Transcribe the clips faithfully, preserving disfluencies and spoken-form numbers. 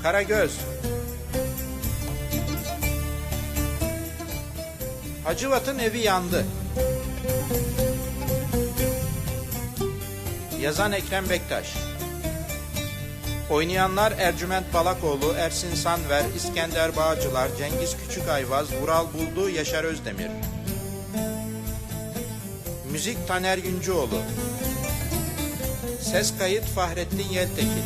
Karagöz. Hacivat'ın evi yandı. Yazan Ekrem Bektaş. Oynayanlar Ercüment Balakoğlu, Ersin Sanver, İskender Bağcılar, Cengiz Küçükayvaz, Vural Buldu, Yaşar Özdemir. Müzik Taner Yüncüoğlu. Ses kayıt Fahrettin Yeltekin.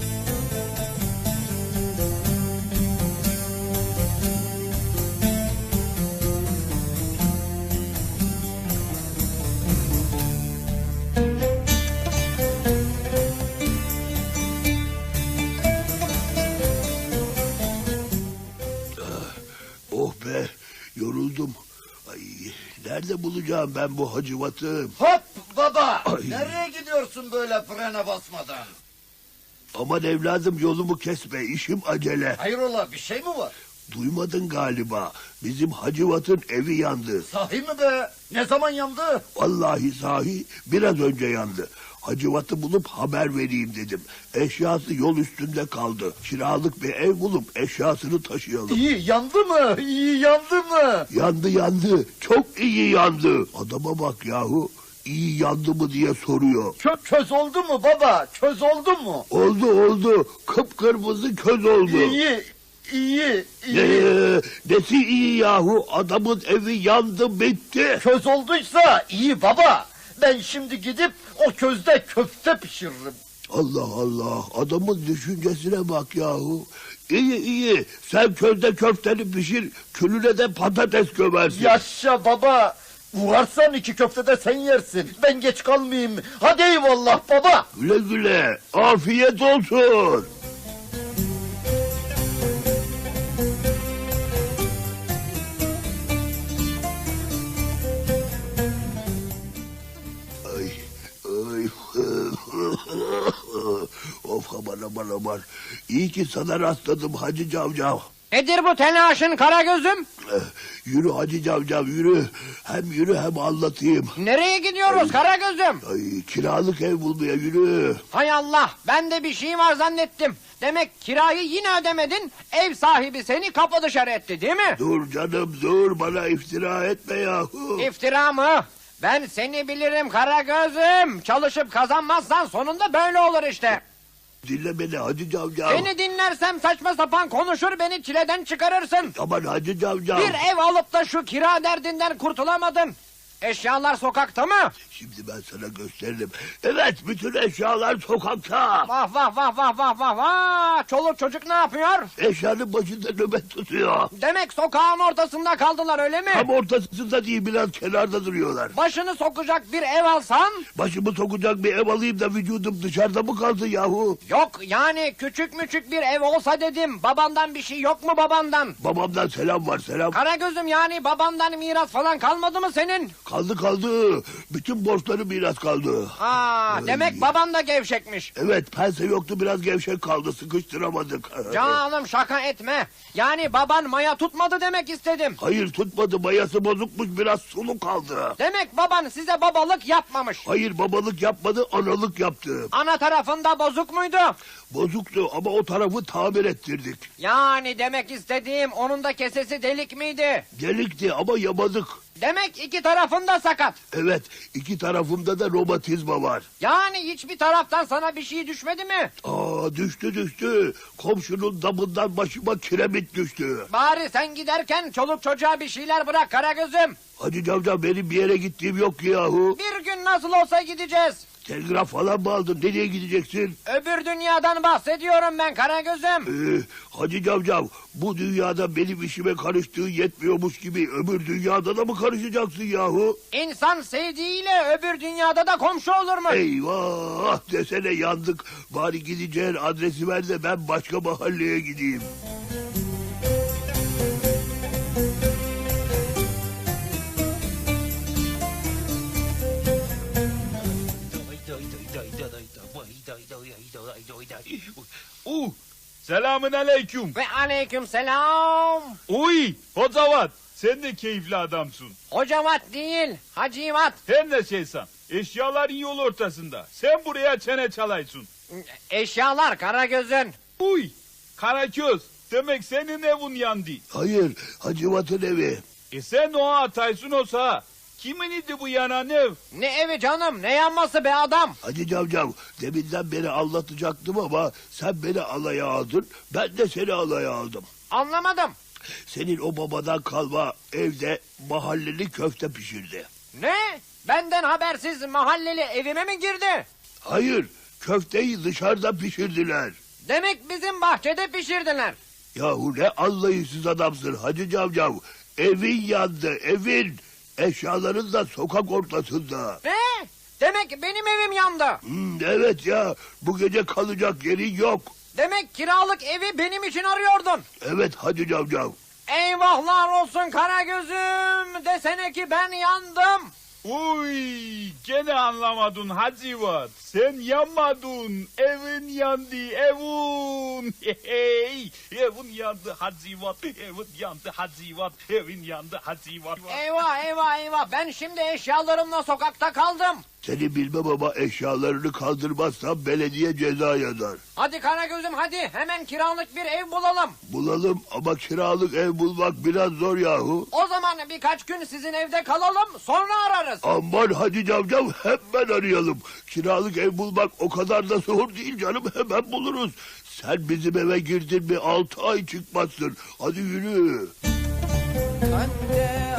Oh be, yoruldum. Ay, nerede bulacağım ben bu Hacivat'ı? Hop baba! Ay. Nereye gidiyorsun böyle frene basmadan? Aman evladım yolumu kesme, işim acele. Hayrola, bir şey mi var? Duymadın galiba, bizim Hacivat'ın evi yandı. Sahi mi be? Ne zaman yandı? Vallahi sahi biraz önce yandı. Hacivat'ı bulup haber vereyim dedim. Eşyası yol üstünde kaldı. Kiralık bir ev bulup eşyasını taşıyalım. İyi yandı mı? İyi yandı mı? Yandı yandı, çok iyi yandı. Adama bak yahu, iyi yandı mı diye soruyor. Çö köz oldu mu baba? Köz oldu mu? Oldu oldu, kıpkırmızı köz oldu. İyi, iyi, iyi. Ee, nesi iyi yahu, adamın evi yandı bitti. Köz olduysa iyi baba. Ben şimdi gidip o közde köfte pişiririm. Allah Allah, adamın düşüncesine bak yahu. İyi iyi, sen közde köfteni pişir, külüne de patates gömersin. Yaşa baba. Varsan iki köfte de sen yersin. Ben geç kalmayayım. Hadi eyvallah baba. Güle güle, afiyet olsun. Ay, ay. Of aman aman aman. İyi ki sana rastladım Hacı Cavcav. Nedir bu telaşın Karagöz'üm? Eh, Yürü Hacı Cavcav yürü. Hem yürü hem anlatayım. Nereye gidiyoruz Karagöz'üm? Ay, kiralık ev bulmaya yürü. Hay Allah, ben de bir şey var zannettim. Demek kirayı yine ödemedin, ev sahibi seni kapı dışarı etti değil mi? Dur canım dur, bana iftira etme yahu. İftira mı? Ben seni bilirim Karagöz'üm. Çalışıp kazanmazsan sonunda böyle olur işte. Dinle beni Hacı Cavcav. Seni dinlersem saçma sapan konuşur, beni çileden çıkarırsın. Aman Hacı Cavcav. Bir ev alıp da şu kira derdinden kurtulamadın. Eşyalar sokakta mı? Şimdi ben sana gösteririm. Evet, bütün eşyalar sokakta. Vah vah vah vah vah vah vah. Çoluk çocuk ne yapıyor? Eşyanın başında nöbet tutuyor. Demek sokağın ortasında kaldılar öyle mi? Tam ortasında değil, biraz kenarda duruyorlar. Başını sokacak bir ev alsan? Başımı sokacak bir ev alayım da vücudum dışarıda mı kaldı yahu? Yok yani küçük müçük bir ev olsa dedim. Babandan bir şey yok mu babandan? Babamdan selam var, selam. Karagöz'üm yani babandan miras falan kalmadı mı senin? Kaldı kaldı. Bütün borçları miras kaldı. Aa, demek baban da gevşekmiş. Evet, pense yoktu, biraz gevşek kaldı, sıkıştıramadık. Canım şaka etme. Yani baban maya tutmadı demek istedim. Hayır tutmadı, mayası bozukmuş, biraz sulu kaldı. Demek baban size babalık yapmamış. Hayır, babalık yapmadı, analık yaptı. Ana tarafında bozuk muydu? Bozuktu ama o tarafı tamir ettirdik. Yani demek istediğim onun da kesesi delik miydi? Delikti ama yamadık. Demek iki tarafında sakat. Evet, iki tarafımda da romatizma var. Yani hiçbir taraftan sana bir şey düşmedi mi? Aa, düştü düştü. Komşunun damından başıma kiremit düştü. Bari sen giderken çoluk çocuğa bir şeyler bırak Karagöz'üm. Hacı Cavcav, benim bir yere gittiğim yok ki yahu. Bir gün nasıl olsa gideceğiz. Telgraf falan mı aldın? Nereye gideceksin? Öbür dünyadan bahsediyorum ben Karagöz'üm. Ee, Hacı Cavcav, bu dünyada benim işime karıştığı yetmiyormuş gibi öbür dünyada da mı karışacaksın yahu? İnsan sevdiğiyle öbür dünyada da komşu olur mu? Eyvah, desene yandık. Bari gideceğin adresi ver de ben başka mahalleye gideyim. Uh, selamün aleyküm. Ve aleyküm selam. Uy, Hocavat, sen de keyifli adamsın. Hocavat değil, Hacivat. Her ne şeysan, eşyaların yol ortasında. Sen buraya çene çalaysın. Eşyalar Karagöz'ün. Uy, Karaköz, demek senin evin yandı. Hayır, Hacivat'ın evi. E sen o ataysın olsa, kimin idi bu yanan ev? Ne evi canım, ne yanması be adam? Hacı Cavcav, deminden beri anlatacaktım ama sen beni alaya aldın, ben de seni alaya aldım. Anlamadım. Senin o babadan kalma evde mahalleli köfte pişirdi. Ne? Benden habersiz mahalleli evime mi girdi? Hayır, köfteyi dışarıda pişirdiler. Demek bizim bahçede pişirdiler. Yahu ne anlayışsız adamsın Hacı Cavcav. Evin yandı, evin. Eşyaların da sokak ortasında. Ne? Demek benim evim yandı. Hmm, evet ya, bu gece kalacak yerin yok. Demek kiralık evi benim için arıyordun. Evet Hacı Cavcav. Eyvahlar olsun Karagöz'üm. Desene ki ben yandım. Uy, gene anlamadın Hacivat. Sen yanmadın, evin yandı, evin. Hey, evin yandı Hacivat, evin yandı Hacivat, evin yandı Hacivat. Eyvah eyvah eyvah. Ben şimdi eşyalarımla sokakta kaldım. Seni bilmem ama eşyalarını kaldırmazsan belediye ceza yazar. Hadi Karagöz'üm hadi. Hemen kiralık bir ev bulalım. Bulalım ama kiralık ev bulmak biraz zor yahu. O zaman birkaç gün sizin evde kalalım. Sonra ararız. Aman Hacı Cavcav hemen arayalım. Kiralık ev bulmak o kadar da zor değil canım, hemen buluruz. Sen bizim eve girdin mi altı ay çıkmazsın. Hadi yürü. Ben de